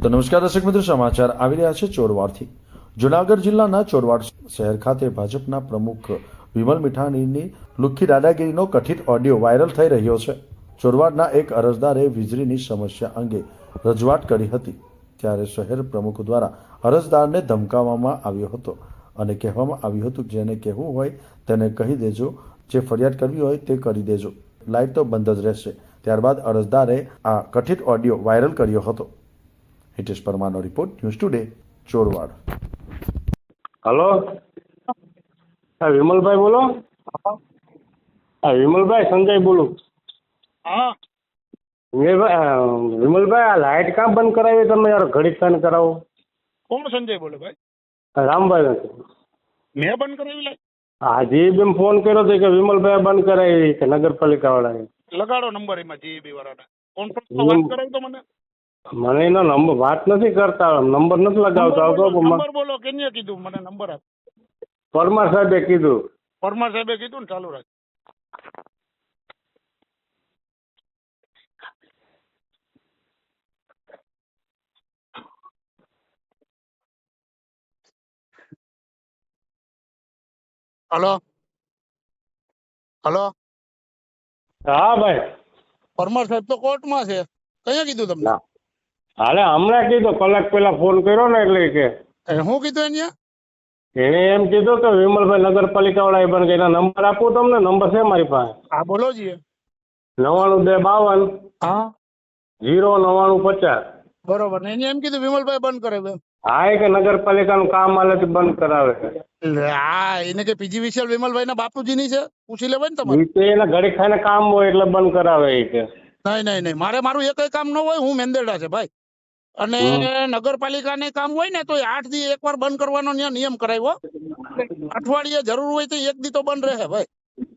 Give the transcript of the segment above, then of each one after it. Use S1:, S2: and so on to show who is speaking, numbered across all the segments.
S1: તો નમસ્કાર દર્શક મિત્રો, સમાચાર આવી રહ્યા છે ચોરવાડથી। જુનાગઢ જિલ્લાના ચોરવાડ શહેર ખાતે ભાજપના પ્રમુખ વિમલ મીઠાણીની લુખ્ખી દાદાગીરીનો કથિત ઓડિયો વાયરલ થઈ રહ્યો છે। ચોરવાડના એક અરજદારે વીજળીની સમસ્યા અંગે રજૂઆત કરી હતી, ત્યારે શહેર પ્રમુખ દ્વારા અરજદારને ધમકાવવામાં આવ્યો હતો અને કહેવામાં આવ્યું હતું જેને કહેવું હોય તેને કહી દેજો, જે ફરિયાદ કરવી હોય તે કરી દેજો, લાઇટ તો બંધ જ રહેશે। ત્યારબાદ અરજદારે આ કથિત ઓડિયો વાયરલ કર્યો હતો। હિતેશ પરમારનો report, news today, Chorwad.
S2: Hello, હા વિમલભાઈ બોલો। હા વિમલભાઈ, સંજય બોલું।
S3: હા
S2: વિમલભાઈ, આ લાઇટ કામ બંધ કરાવી તમે યાર? ઘડીક કાન કરાવો।
S3: કોણ સંજય બોલે ભાઈ?
S2: રામભાઈ નથી?
S3: મેં બંધ કરાવી લાઈ?
S2: હાજી બેન ફોન કર્યો હતો કે વિમલભાઈ બંધ કરાવી કે નગરપાલિકા વાળાએ?
S3: લગાડો નંબર એમાં જીબી વાળાને, કોન્ફરન્સમાં વાત કરાવી તો મને
S2: એનો નંબર વાત નથી કરતા, નંબર નથી લગાવતો આવતો।
S3: નંબર બોલો, કેને કીધું મને નંબર આપ?
S2: પરમાર સાહેબે કીધું।
S3: પરમાર સાહેબે કીધું ને, ચાલુ રાખ। હલો હલો,
S2: હા ભાઈ,
S3: પરમાર સાહેબ તો કોર્ટમાં છે, કયા કીધું તમને?
S2: હાલે હમણાં કીધું, કલાક પહેલા ફોન કર્યો ને એટલે કે
S3: શું કીધું એને?
S2: એને એમ કીધું કે વિમલભાઈ નગરપાલિકા વાળા પણ એના નંબર આપું તમને? નંબર છે મારી પાસે।
S3: હા બોલો જી।
S2: 99 2 52
S3: હા
S2: 0 99 50।
S3: બરોબર ને, એને એમ કીધું વિમલભાઈ બંધ કરાવે એમ?
S2: હા, એ કે નગરપાલિકાનું કામ હાલે તો બંધ કરાવે।
S3: હા, એને કે પીજી વિશાલ વિમલભાઈ ના બાપુજીની છે, પૂછી લેવાય ને તમારે?
S2: ઈ તો એના ઘડી ખાઈને કામ હોય એટલે બંધ કરાવે એ કે।
S3: નહીં, મારું એક કામ ન હોય, હું મેંદેડા છે ભાઈ, અને નગરપાલિકાને કામ હોય ને તો 8 દી એકવાર બંધ કરવાનો નિયમ કરાવ્યો। અઠવાડિયે જરૂર હોય તો 1 દી તો બંધ રહે ભાઈ।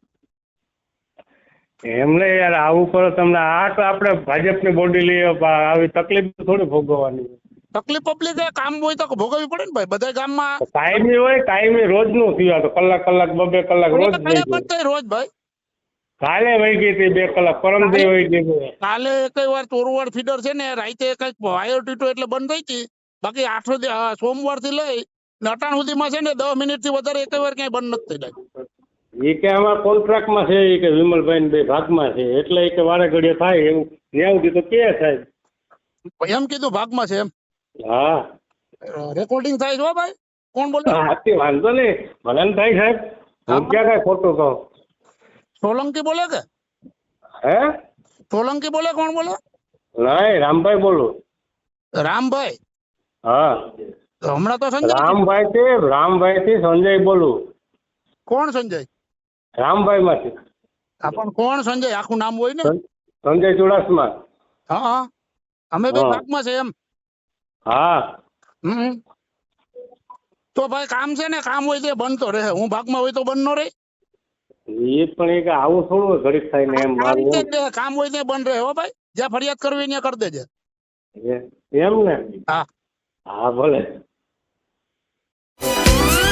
S2: એમને યાર આવું કરો તમને? આ તો આપણે ભાજપની બોડી લઈએ, આવી તકલીફ થોડી ભોગવવાની।
S3: તકલીફ પબ્લિક કામ હોય તો ભોગવવી પડે ને ભાઈ, બધા ગામમાં
S2: કાયમી હોય, કાયમી રોજનું થયું, તો કલાક 2 કલાક રોજ વહી ગયું।
S3: બંધ થાય રોજ ભાઈ।
S2: કાલે વહી ગઈ હતી 2 કલાક, પરમ દી વહી ગઈ।
S3: કાલે કઈ વાર ચોરવાડ ફીડર છે ને રાતે કઈક વાયર તૂટ્યો એટલે બંધ થઈ હતી, બાકી સોમવાર થી લઈ અટાણ સુધીમાં છે ને 10 મિનિટ થી વધારે એક વાર ક્યાંય બંધ નથી થઈ જાય।
S2: એ કે અમારા કોન્ટ્રાક્ટમાં છે, એ કે વિમલભાઈ ને 2 ભાગમાં છે, એટલે એ કે વારે ઘડીએ થાય એવું ન્યાય સુધી તો કે થાય
S3: એમ કીધું ભાગમાં છે એમ?
S2: હા,
S3: રેકોર્ડિંગ થાય છે હો ભાઈ। કોણ બોલે?
S2: હાથી વાંધો નહીં, ભલે ને થાય સાહેબ, હું ક્યાં કઈ ખોટું કહું?
S3: સોલંકી બોલે કે?
S2: હે
S3: સોલંકી બોલે? કોણ બોલે?
S2: નહીં, રામભાઈ બોલું।
S3: રામભાઈ?
S2: હા,
S3: હમણાં તો સંજય
S2: રામભાઈ થી સંજય બોલું।
S3: કોણ સંજય?
S2: રામભાઈ માંથી।
S3: હા પણ કોણ સંજય? આખું નામ હોય ને?
S2: સંજય ચુડાસમા।
S3: હા, અમે બે ભાગમાં છે એમ?
S2: હા,
S3: તો ભાઈ કામ છે ને, કામ હોય તો બંધ તો રહે, હું ભાગમાં હોય તો બંધ ન રહે?
S2: એ પણ એ કે આવું થોડું ઘડીક થાય ને એમ
S3: આ રીતે
S2: મારું
S3: જ રહે, કામ હોય તો બંધ રહે હો ભાઈ। જ્યાં ફરિયાદ કરવી ત્યાં કરી દેજે।
S2: એમ ને?
S3: હા
S2: હા ભલે।